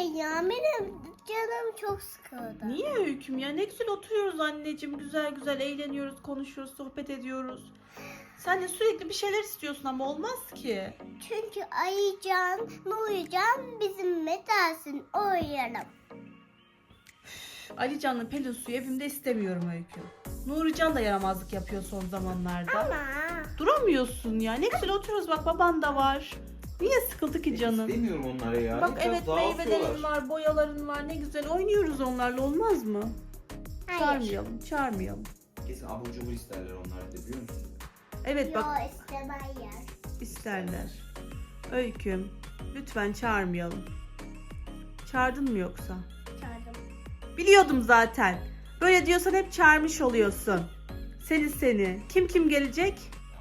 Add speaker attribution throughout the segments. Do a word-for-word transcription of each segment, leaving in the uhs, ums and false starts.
Speaker 1: ya. Benim canım çok sıkıldı.
Speaker 2: Niye Öyküm ya? Ne güzel oturuyoruz anneciğim. Güzel güzel eğleniyoruz, konuşuyoruz, sohbet ediyoruz. Sen de sürekli bir şeyler istiyorsun ama olmaz ki.
Speaker 1: Çünkü Ayıcan, Nurican bizim dersin oynayalım.
Speaker 2: Alican'la Pelin Su'yu evimde istemiyorum Öyküm. Nurican da yaramazlık yapıyor son zamanlarda.
Speaker 1: Ama
Speaker 2: Duramıyorsun ya. Ne güzel oturuyoruz, bak baban da var. Niye sıkıldı ki canım?
Speaker 3: İstemiyorum onları ya.
Speaker 2: Bak
Speaker 3: Biraz
Speaker 2: evet,
Speaker 3: dağıtıyorlar.
Speaker 2: meyvelerin var, boyaların var. Ne güzel oynuyoruz onlarla, olmaz mı?
Speaker 1: hayır.
Speaker 2: Çağırmayalım, çağırmayalım.
Speaker 3: Kesin abur cubur isterler onlar da, biliyor musun?
Speaker 2: Evet bak,
Speaker 1: Yo istemezler.
Speaker 2: isterler. Öyküm, lütfen çağırmayalım. Çağırdın mı yoksa?
Speaker 1: Çağırdım.
Speaker 2: Biliyordum zaten. Böyle diyorsan hep çağırmış oluyorsun. Seni seni. Kim kim gelecek?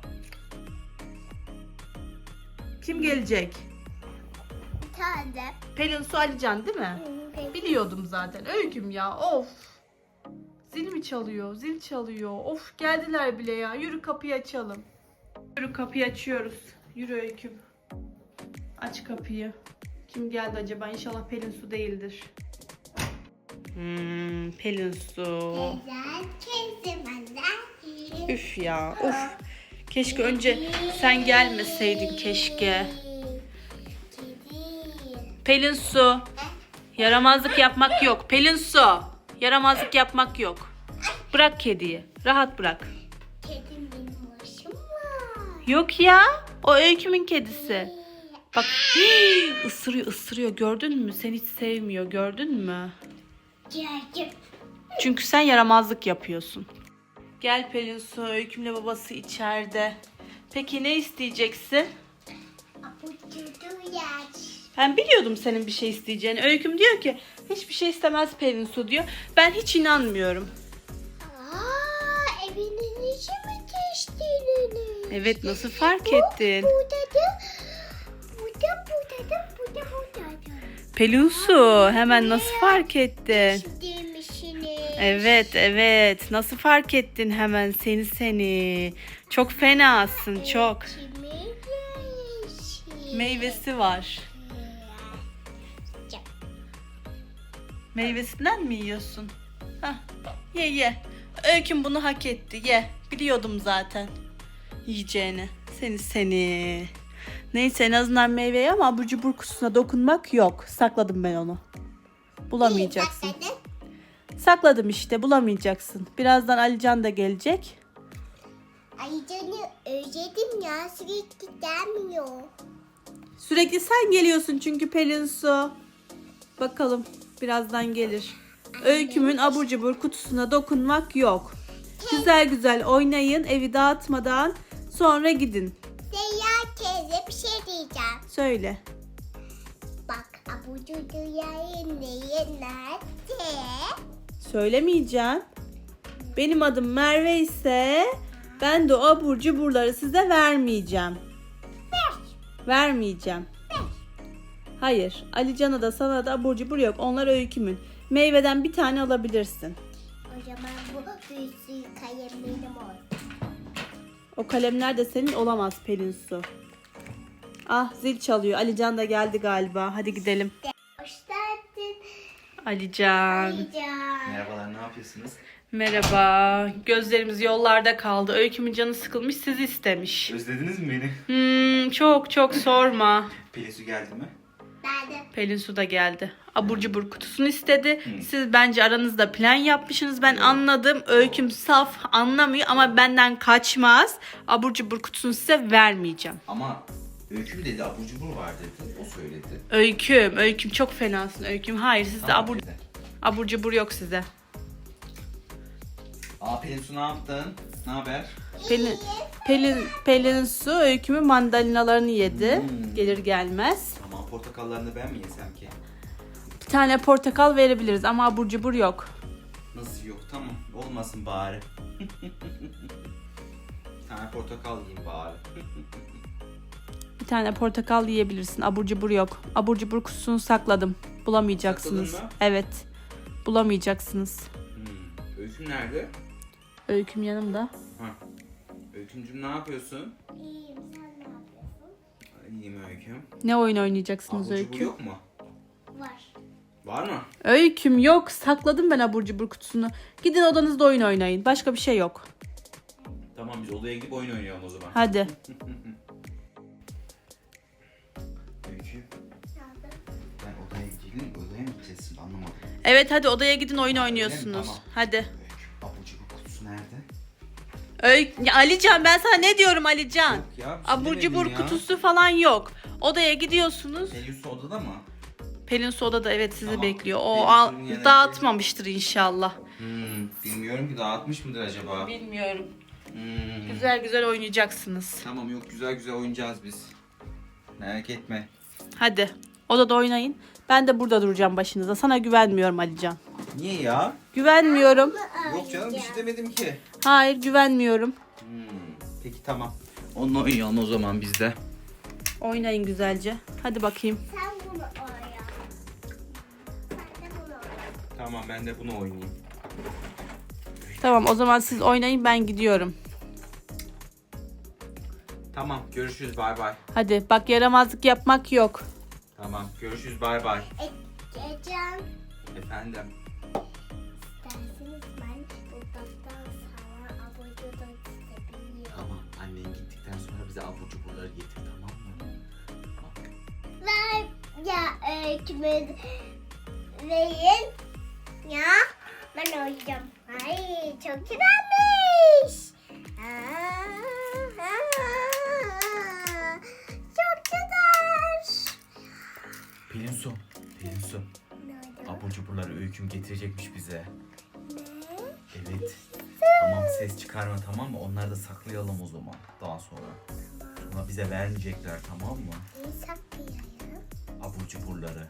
Speaker 2: Kim gelecek?
Speaker 1: Bir tane.
Speaker 2: Pelin Su, Alican değil mi? Biliyordum zaten. Öyküm ya, of. Zil mi çalıyor? Zil çalıyor. Of, geldiler bile ya. Yürü kapıyı açalım. Yürü kapıyı açıyoruz. Yürü Öyküm. Aç kapıyı. Kim geldi acaba? İnşallah Pelin Su değildir. Hmm, Pelin Su.
Speaker 1: Güzel kesim anne.
Speaker 2: Üf ya, of. Keşke önce sen gelmeseydin keşke. Pelin Su. Yaramazlık yapmak yok. Pelin Su. Yaramazlık yapmak yok. Bırak kediyi. Rahat bırak.
Speaker 1: Kedim benim başım var.
Speaker 2: Yok ya. O Öyküm'ün kedisi. Bak hii, ısırıyor ısırıyor. Gördün mü? Seni hiç sevmiyor. Gördün mü?
Speaker 1: Gördüm.
Speaker 2: Çünkü sen yaramazlık yapıyorsun. Gel Pelin Su. Öyküm'le babası içeride. Peki ne isteyeceksin?
Speaker 1: Aputudu yer.
Speaker 2: Ben biliyordum senin bir şey isteyeceğini. Öyküm diyor ki hiçbir şey istemez Pelin Su diyor. Ben hiç inanmıyorum.
Speaker 1: Aa, evinin içi mi geçtiğini?
Speaker 2: Evet, nasıl fark ettin?
Speaker 1: Burada da, burada, burada da, burada, burada da.
Speaker 2: Pelin Su, hemen nasıl fark ettin?
Speaker 1: Demişsiniz.
Speaker 2: Evet evet, nasıl fark ettin hemen, seni seni. Çok fenasın çok.
Speaker 1: Kimin yeşil?
Speaker 2: Meyvesi var. Meyvesinden mi yiyorsun? Hah, ye ye. Öyküm bunu hak etti, ye. Biliyordum zaten yiyeceğini. Seni seni. Neyse, en azından meyveye, ama abur cubur kutusuna dokunmak yok. Sakladım ben onu. Bulamayacaksın. Sakladım işte, bulamayacaksın. Birazdan Alican da gelecek.
Speaker 1: Ay canım özledim ya, sürekli gelmiyor.
Speaker 2: Sürekli sen geliyorsun çünkü Pelin Su. Bakalım, birazdan gelir. Öykümün abur cubur kutusuna dokunmak yok. Güzel güzel oynayın, evi dağıtmadan, sonra gidin.
Speaker 1: Seyyar teyze bir şey diyeceğim.
Speaker 2: Söyle.
Speaker 1: Bak abucu dünyayı neye nerede?
Speaker 2: Söylemeyeceğim. Benim adım Merve ise ben de o abur cuburları size vermeyeceğim.
Speaker 1: Ver.
Speaker 2: Vermeyeceğim. Hayır. Alican'a da sana da abur cubur yok. Onlar Öykümün. Meyveden bir tane alabilirsin.
Speaker 1: O zaman bu büyüsü kalem benim oldu.
Speaker 2: O kalemler de senin olamaz Pelin Su. Ah, zil çalıyor. Alican da geldi galiba. Hadi gidelim.
Speaker 1: Hoş geldin.
Speaker 2: Alican.
Speaker 1: Can.
Speaker 3: Merhabalar, ne yapıyorsunuz?
Speaker 2: Merhaba. Gözlerimiz yollarda kaldı. Öykümün canı sıkılmış, sizi istemiş.
Speaker 3: Özlediniz mi beni?
Speaker 2: Hmm, çok çok sorma.
Speaker 3: Pelin Su geldi mi?
Speaker 1: Ben de.
Speaker 2: Pelin Su da geldi. Abur cubur kutusunu istedi. Siz bence aranızda plan yapmışsınız. Ben anladım. Öyküm saf, anlamıyor ama benden kaçmaz. Abur cubur kutusunu size vermeyeceğim.
Speaker 3: Ama Öyküm dedi, abur cubur var dedi. O söyledi.
Speaker 2: Öyküm, Öyküm çok fenasın Öyküm. Hayır, sizde
Speaker 3: Tamam
Speaker 2: abur,
Speaker 3: dedi.
Speaker 2: abur cubur yok size.
Speaker 3: Aa Pelin Su, ne yaptın? Ne haber?
Speaker 2: Pelin, Pelin, Pelin Su Öyküm'ün mandalinalarını yedi.
Speaker 3: Hmm.
Speaker 2: Gelir gelmez.
Speaker 3: Tamam, portakallarını ben mi yesem ki?
Speaker 2: Bir tane portakal verebiliriz ama abur cubur yok.
Speaker 3: Nasıl yok? Tamam, olmasın bari. Bir tane portakal yiyeyim bari.
Speaker 2: Bir tane portakal yiyebilirsin. Abur cubur yok. Abur cubur kutusunu sakladım. Bulamayacaksınız.
Speaker 3: Sakladın mı?
Speaker 2: Evet. Bulamayacaksınız.
Speaker 3: Hmm. Öyküm nerede?
Speaker 2: Öyküm yanımda.
Speaker 3: Ha. Öykümcüm, ne yapıyorsun?
Speaker 1: İyiyim, sen ne yapıyorsun?
Speaker 3: İyiyim Öyküm.
Speaker 2: Ne oyun oynayacaksınız
Speaker 3: Abur cubur
Speaker 2: Öyküm?
Speaker 3: yok mu?
Speaker 1: Var.
Speaker 3: Var mı?
Speaker 2: Öyküm yok. Sakladım ben abur cubur kutusunu. Gidin odanızda oyun oynayın. Başka bir şey yok.
Speaker 3: Tamam biz odaya gidip oyun oynayalım o zaman.
Speaker 2: Hadi.
Speaker 3: Öykü. Ben odaya gidelim. Odaya mı gideceğiz şimdi anlamadım.
Speaker 2: Evet hadi odaya gidin oyun oynuyorsunuz.
Speaker 3: Tamam.
Speaker 2: Hadi.
Speaker 3: Öykü abur cubur kutusu nerede?
Speaker 2: Öykü, ya Alican ben sana ne diyorum Alican?
Speaker 3: Yok ya, bir şey
Speaker 2: Abur
Speaker 3: demedin
Speaker 2: cubur
Speaker 3: ya.
Speaker 2: kutusu falan yok. Odaya gidiyorsunuz.
Speaker 3: Pelin odada mı?
Speaker 2: Pelin Su odada evet sizi
Speaker 3: Tamam.
Speaker 2: bekliyor. O
Speaker 3: Pelin
Speaker 2: al,
Speaker 3: Su'nun yanına
Speaker 2: dağıtmamıştır inşallah.
Speaker 3: Hmm, bilmiyorum ki dağıtmış mıdır acaba?
Speaker 2: Bilmiyorum.
Speaker 3: Hmm.
Speaker 2: Güzel güzel oynayacaksınız.
Speaker 3: Tamam yok güzel güzel oynayacağız biz. Merak etme.
Speaker 2: Hadi odada oynayın. Ben de burada duracağım başınıza. Sana güvenmiyorum Alican.
Speaker 3: Niye ya?
Speaker 2: Güvenmiyorum.
Speaker 3: Yok canım bir şey demedim ki.
Speaker 2: Hayır güvenmiyorum.
Speaker 3: Hmm, peki tamam. Onunla oynayalım o zaman biz de.
Speaker 2: Oynayın güzelce. Hadi bakayım.
Speaker 1: Sen bunu oraya. Sen de bunu oraya.
Speaker 3: Tamam ben de bunu oynayayım.
Speaker 2: Tamam o zaman siz oynayın ben gidiyorum.
Speaker 3: Tamam görüşürüz bay bay.
Speaker 2: Hadi bak yaramazlık yapmak yok.
Speaker 3: Tamam görüşürüz bay bay.
Speaker 1: E, Ecem.
Speaker 3: Efendim.
Speaker 1: İsterseniz ben buradan sana abur cubur isteyebilirim.
Speaker 3: Tamam annen gittikten sonra bize abur cuburları getir tamam mı? Bak.
Speaker 1: Ver ya öykümü verin. Ya ben oynayacağım. Ay çok güzelmiş. Aa, aa, çok güzel.
Speaker 3: Pelin Su. Pelin Su.
Speaker 1: Ne oldu?
Speaker 3: Abur cuburları öyküm getirecekmiş bize.
Speaker 1: Ne?
Speaker 3: Evet. Tamam ses çıkarma tamam mı? Onları da saklayalım o zaman daha sonra. Sonra bize vermeyecekler tamam mı?
Speaker 1: İyi saklayayım.
Speaker 3: Abur cuburları.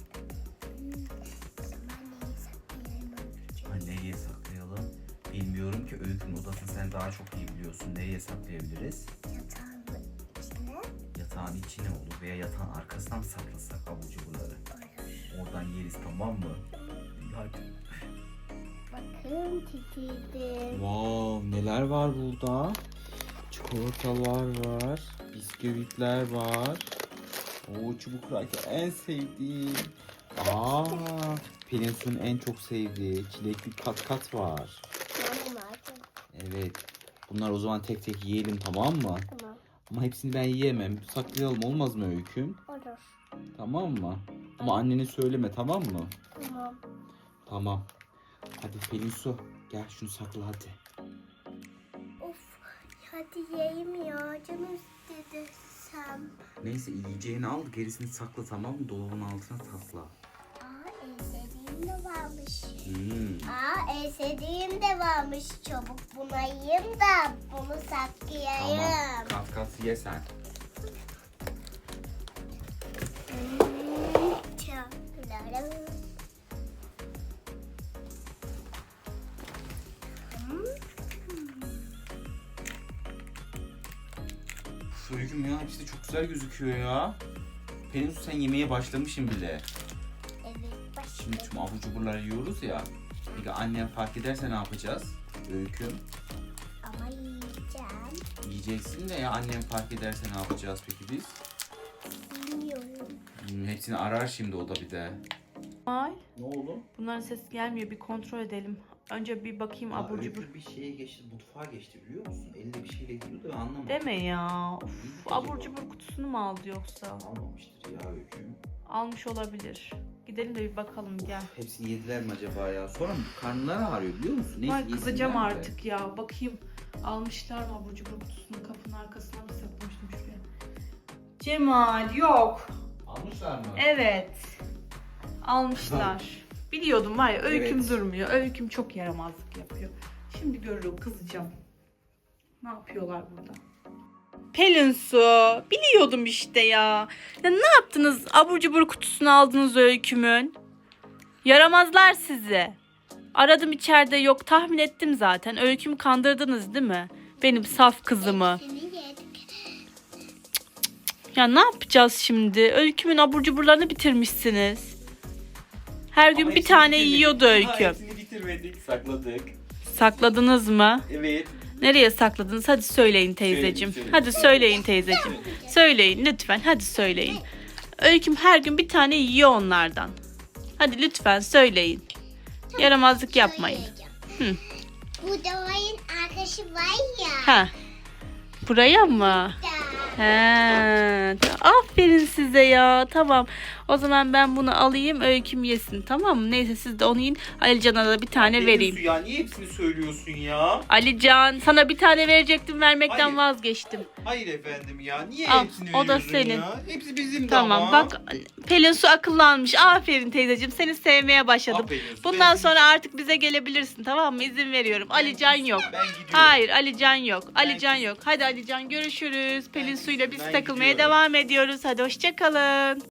Speaker 1: O zaman neyi saklayayım öykücüğüm?
Speaker 3: Ha, nereye saklayalım? Bilmiyorum ki öykünün odasını sen daha çok iyi biliyorsun. Nereye saklayabiliriz?
Speaker 1: Yatağın içine.
Speaker 3: Yatağın içine olur veya yatağın arkasına mı saklasak abur cuburları? Oradan yeriz tamam mı? İyi, hadi.
Speaker 1: Bakın titizdim.
Speaker 4: Wow, neler var burada? Çikolatalar var, bisküvitler var. Oo, çubuk kraker en sevdiğim. Aa, Pelin Su'nun en çok sevdiği çilekli kat kat var.
Speaker 1: Tamam artık.
Speaker 4: Evet. Bunlar o zaman tek tek yiyelim tamam mı?
Speaker 1: Tamam.
Speaker 4: Ama hepsini ben yiyemem. Saklayalım olmaz mı Öyküm?
Speaker 1: Olur.
Speaker 4: Tamam mı? Ama annene söyleme tamam mı?
Speaker 1: Tamam.
Speaker 4: Tamam. Hadi Pelin Su gel şunu sakla hadi.
Speaker 1: Of. Hadi yiyeyim ya. Canım istedi sen.
Speaker 3: Neyse yiyeceğini al gerisini sakla tamam mı? Dolabın altına sakla.
Speaker 1: Aa en sevdiğim de varmış.
Speaker 3: Hmm.
Speaker 1: Aa en sevdiğim de varmış. Çabuk bunu yiyeyim da bunu saklayayım.
Speaker 3: Tamam. Kat kat ye sen.
Speaker 1: Hmm, çok güzel. Hmm.
Speaker 3: Öyküm ya hepsi de çok güzel gözüküyor ya. Pelin Su sen yemeğe başlamışsın bile.
Speaker 1: Evet başka.
Speaker 3: Şimdi tüm abur cuburları yiyoruz ya. Peki annem fark ederse ne yapacağız? Öyküm.
Speaker 1: Ama yiyeceğim.
Speaker 3: Yiyeceksin de ya annem fark ederse ne yapacağız peki biz?
Speaker 1: Bilmiyorum.
Speaker 3: Hmm, hepsini arar şimdi o da bir de.
Speaker 2: Ay,
Speaker 3: Ne oldu?
Speaker 2: bunların sesi gelmiyor bir kontrol edelim. Önce bir bakayım abur cubur.
Speaker 3: bir şeye geçti, mutfağa geçti biliyor musun? Elinde bir şeyle gidiyordu ve anlamadım.
Speaker 2: Deme ya. Of,
Speaker 3: Acaba?
Speaker 2: abur cubur kutusunu mu aldı yoksa?
Speaker 3: Almamıştır ya Öyküm.
Speaker 2: Almış olabilir. Gidelim de bir bakalım gel.
Speaker 3: Hepsini yediler mi acaba ya? Sonra karnları ağrıyor biliyor musun? Neyse,
Speaker 2: Ay kızacağım
Speaker 3: yesinler de.
Speaker 2: artık ya. Bakayım almışlar mı abur cubur kutusunu kapının arkasına mı saklamıştım şuraya. Cemal yok.
Speaker 3: Almışlar mı?
Speaker 2: Evet. Almışlar. Biliyordum var ya öyküm
Speaker 3: Evet.
Speaker 2: durmuyor. Öyküm çok yaramazlık yapıyor. Şimdi görürüm kızacağım. Ne yapıyorlar burada? Pelin Su. Biliyordum işte ya. Ya ne yaptınız? Abur cubur kutusunu aldınız öykümün. Yaramazlar sizi. Aradım içeride yok tahmin ettim zaten. Öykümü kandırdınız değil mi? Benim saf kızımı.
Speaker 1: Hepsini yedik.
Speaker 2: Ya ne yapacağız şimdi? Öykümün abur cuburlarını bitirmişsiniz. Her gün
Speaker 3: Ama
Speaker 2: bir
Speaker 3: hepsini
Speaker 2: tane
Speaker 3: bitirmedik.
Speaker 2: yiyordu
Speaker 3: Ha,
Speaker 2: Öyküm.
Speaker 3: hepsini bitirmedik, sakladık.
Speaker 2: Sakladınız mı?
Speaker 3: Evet.
Speaker 2: Nereye sakladınız? Hadi söyleyin teyzeciğim.
Speaker 3: Söyleyin,
Speaker 2: Hadi söyleyin teyzeciğim. Söyleyin lütfen. Hadi söyleyin. Öyküm her gün bir tane yiyor onlardan. Hadi lütfen söyleyin. Yaramazlık yapmayın.
Speaker 1: Söyleyeceğim. Bu Doğay'ın arkadaşı var ya.
Speaker 2: Ha. Buraya mı?
Speaker 1: Da.
Speaker 2: He, aferin size ya. Tamam. O zaman ben bunu alayım, Öyküm yesin. Tamam mı? Neyse siz de onu yiyin. Alican'a da bir tane
Speaker 4: Pelin
Speaker 2: vereyim.
Speaker 4: Su ya niye hepsini söylüyorsun ya?
Speaker 2: Alican, sana bir tane verecektim, vermekten
Speaker 4: Hayır.
Speaker 2: vazgeçtim.
Speaker 4: Hayır efendim ya. Niye
Speaker 2: Al,
Speaker 4: hepsini
Speaker 2: o da
Speaker 4: veriyorsun
Speaker 2: senin.
Speaker 4: ya? Hepsi bizim de
Speaker 2: Tamam
Speaker 4: ama.
Speaker 2: bak, Pelin Su akıllanmış. Aferin teyzeciğim, seni sevmeye başladım.
Speaker 4: Aferin Su,
Speaker 2: Bundan
Speaker 4: ben-
Speaker 2: sonra artık bize gelebilirsin, tamam mı? İzin veriyorum. Alican yok.
Speaker 4: Ben gidiyorum.
Speaker 2: Hayır, Alican yok. Alican
Speaker 4: gidiyorum.
Speaker 2: yok. Hadi Alican, görüşürüz. Pelin Su'yla biz
Speaker 4: ben
Speaker 2: takılmaya
Speaker 4: gidiyorum.
Speaker 2: devam ediyoruz. Hadi hoşça kalın.